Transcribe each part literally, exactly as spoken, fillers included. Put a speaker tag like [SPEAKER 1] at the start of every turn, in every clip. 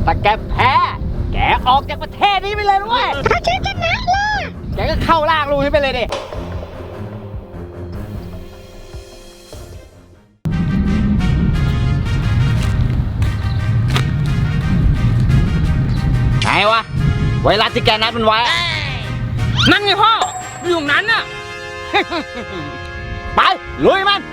[SPEAKER 1] ถ้าแกแพ้แกออกจากประเทศนี้ไปเลยด้วยถ้าฉันชนะล่ะแกก็เข้าล่างรูนี้ไปเลยดิไงวะไวรัสที่แกนัดมันไว้นั่นไงพ่ออยู่ตรงนั้นน่ะ ไปลุยมัน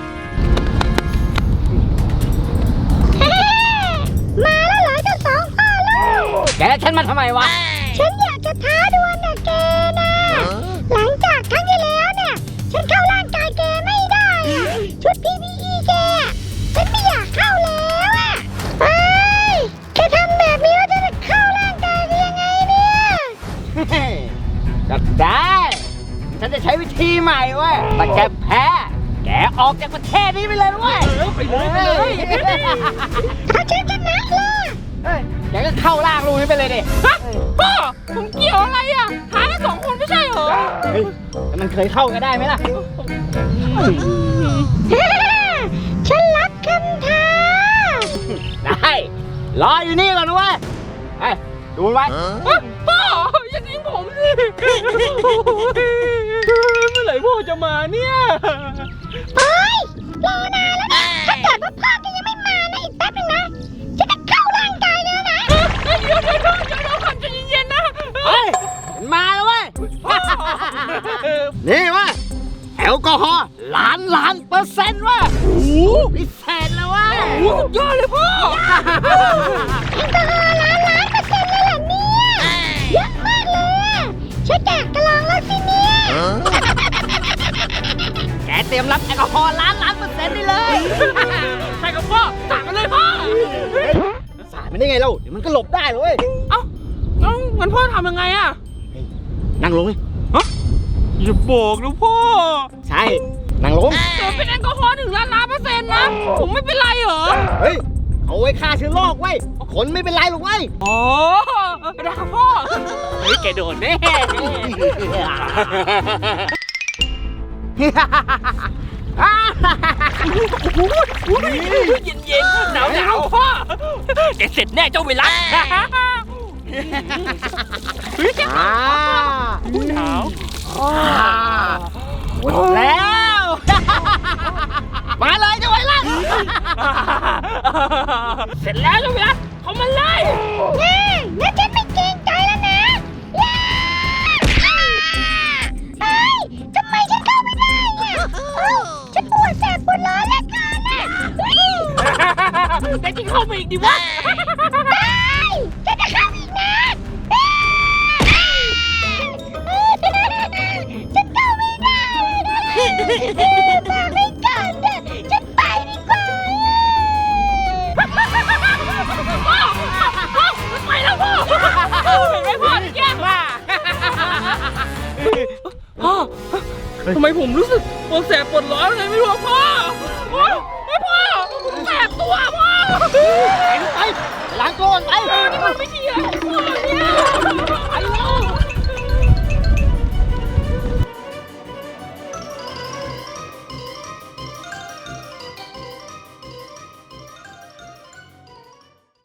[SPEAKER 2] มาแล้วเหรอเจ้าสองพ่อลูก
[SPEAKER 1] แกฉันมาทำไมวะ
[SPEAKER 2] ฉันอยากจะท้าดวลกับแกนะหลังจากครั้งที่แล้วเนี่ยฉันเข้าร่างกายแกไม่ได้อะชุด พี พี อี แกฉันไม่อยากเข้าแล้วอะไปแกทำแบบนี้แล้วจะเข้าร่างกายได้ยังไงเนี่ย
[SPEAKER 1] ก็ได้ฉันจะใช้วิธีใหม่เว้ยแต่แกแพ้แกออกจากประเทศนี้ไปเลยเว้ยไปเลยไปเลย
[SPEAKER 2] ถ้าฉันชนะล่ะ
[SPEAKER 1] แกก็เข้าล่างรูนี้ไปเลยดิ
[SPEAKER 3] พ่อผมเกี่ยวอะไรอ่ะหากันสองคนไม่ใช่เหรอ
[SPEAKER 1] เฮ้ยแต่มันเคยเข้ากันได้ไหมล่ะ
[SPEAKER 2] ฉันรับคำท้า
[SPEAKER 1] ได้รออยู่นี่ก่อนนะเว้ยไอ้ดูไว้
[SPEAKER 3] พ่ออย่าทิ้งผมสิเมื่อไหร่พ่อจะมาเนี่ย
[SPEAKER 2] เฮ้ยรอนานแล้วนะถ้าเกิดว่าพ่อแกยังไม่มานะอีกแป๊บนึงนะฉันจะเข้าร่างกายแล้วนะ
[SPEAKER 3] เดี๋ยวเดี๋ยวเดี๋ยวเดี๋ยวก่อนใจเย็นๆนะ
[SPEAKER 1] เฮ้ยมาแล้วเว้ยนี่เว้ยแอลกอฮอล์ล้านล้านเปอร์เซ็นต์ว่ะโอ้โหพิเศษเลยว่ะ
[SPEAKER 3] โอ้โหสุดยอดเลยพ่อ
[SPEAKER 2] แอลกอฮอล์ล้านล้านเปอร์เซ็นต์เลยเหรอเนี่ยเยอะมากเลยฉันอยากจะลองแล้วสิเนี่ย
[SPEAKER 1] แกเตรียมรับแอลกอฮอล์ล้านล้านเปอร์เซ็นต์ได้เลย
[SPEAKER 3] ใช่กับพ่อสั่งกันเลยพ่อ
[SPEAKER 1] สายมันได้ไงเล่าเดี๋ยวมันก็หลบได้เลย
[SPEAKER 3] เอ้าเอ้างั้นพ่อทำยังไงอะ
[SPEAKER 1] นั่งลงเลย
[SPEAKER 3] ฮะอย่าบอกนะพ่อ
[SPEAKER 1] ใช่นั่งลง
[SPEAKER 3] แต่เป็นแอลกอฮอล์หนึ่งล้านล้านเปอร์เซ็นต์นะผมไม่เป็นไรเหรอ
[SPEAKER 1] เฮ้ยเอาไว้ฆ่าเชื้อโรคไว้คนไม่เป็นไรหรอกไว้
[SPEAKER 3] อ๋อได้ครับพ่อเฮ้ยแกโดนแน่เย็นเย็นหนาวหนาวพ่อแกเสร็จแน่เจ้าเวลา
[SPEAKER 1] เฮ้ยหนาวหมดแล้วมาเลยเจ้าไวรัส
[SPEAKER 3] เสร็จแล้วเจ้าเวลาเขามาไล่
[SPEAKER 2] งั้นฉันไม่เกรงใจแล้วนะเฮ้ยทำไมฉันเข้าไม่ได้เนี่ยฉันปวดแสบปวดร้อนเหลือเกินน่ะ
[SPEAKER 3] แต่ที่เข้าไปอีกดิวะ
[SPEAKER 2] ฉันจะเข้าอีกนะฉันเข้าไม่ได้มาไม่ก่อนเถอะฉันไปดีกว่า
[SPEAKER 3] พ่อพ่อไปแล้วพ่อเห็นไหมพ่อแกล้งว่าพ่อทำไมผมรู้สึกปวดแสบปวดร้อนเลยไม่รู้พ่อไม่พ่อผมแสบตัวพ่อ
[SPEAKER 1] ไปไปล้างตัวไป
[SPEAKER 3] นี่มันไม่ดีเลยพ่อ